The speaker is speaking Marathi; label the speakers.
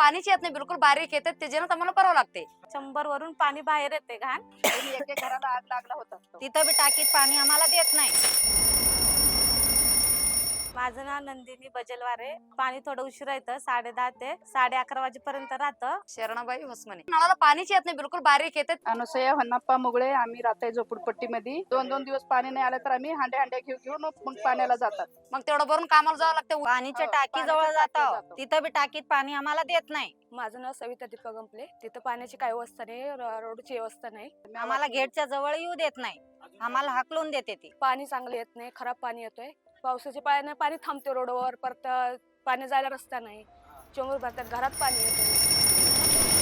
Speaker 1: पाणीच येत नाही, बिलकुल बारीक येते, त्याच्यानं आम्हाला करावं लागते.
Speaker 2: 100 वरून पाणी बाहेर येते घाण.
Speaker 3: एक एक घराला आग लागला होता.
Speaker 1: तिथं बी टाकीत पाणी आम्हाला देत नाही.
Speaker 2: माझं नाव नंदिनी बजलवारे. पाणी थोडं उशिरा येतं, 10:30 ते 11:30 वाजेपर्यंत राहतं.
Speaker 1: शरणाबाई होसमने. नळाला पाणीच येत नाही, बिलकुल बारीक येते.
Speaker 3: अनुसया होन्नप्पा मुगळे. आम्ही राहतोय झोपडपट्टीमध्ये. 2-2 दिवस पाणी नाही आलं तर आम्ही हांड्या घेऊन मग पाण्याला जातात.
Speaker 1: मग तेवढं भरून कामाला जावं लागतं. पाणीच्या
Speaker 3: हो,
Speaker 1: टाकी जवळ
Speaker 3: पाण्याच्या टाकीत
Speaker 1: जातो,
Speaker 3: जातो.
Speaker 1: तिथं बी टाकीत पाणी आम्हाला देत नाही.
Speaker 4: माझं नाव सविता दीपक गंपले. तिथं पाण्याची काही व्यवस्था नाही, रोडची व्यवस्था नाही.
Speaker 1: आम्हाला गेटच्या जवळ येऊ देत नाही, आम्हाला हाकलून देते ती.
Speaker 4: पाणी चांगलं येत नाही, खराब पाणी येतोय. पावसाच्या पाण्याने पाणी थांबते रोडवर, परत पाणी जायला रस्ता नाही. चोंगूर भरतात, घरात पाणी येतोय.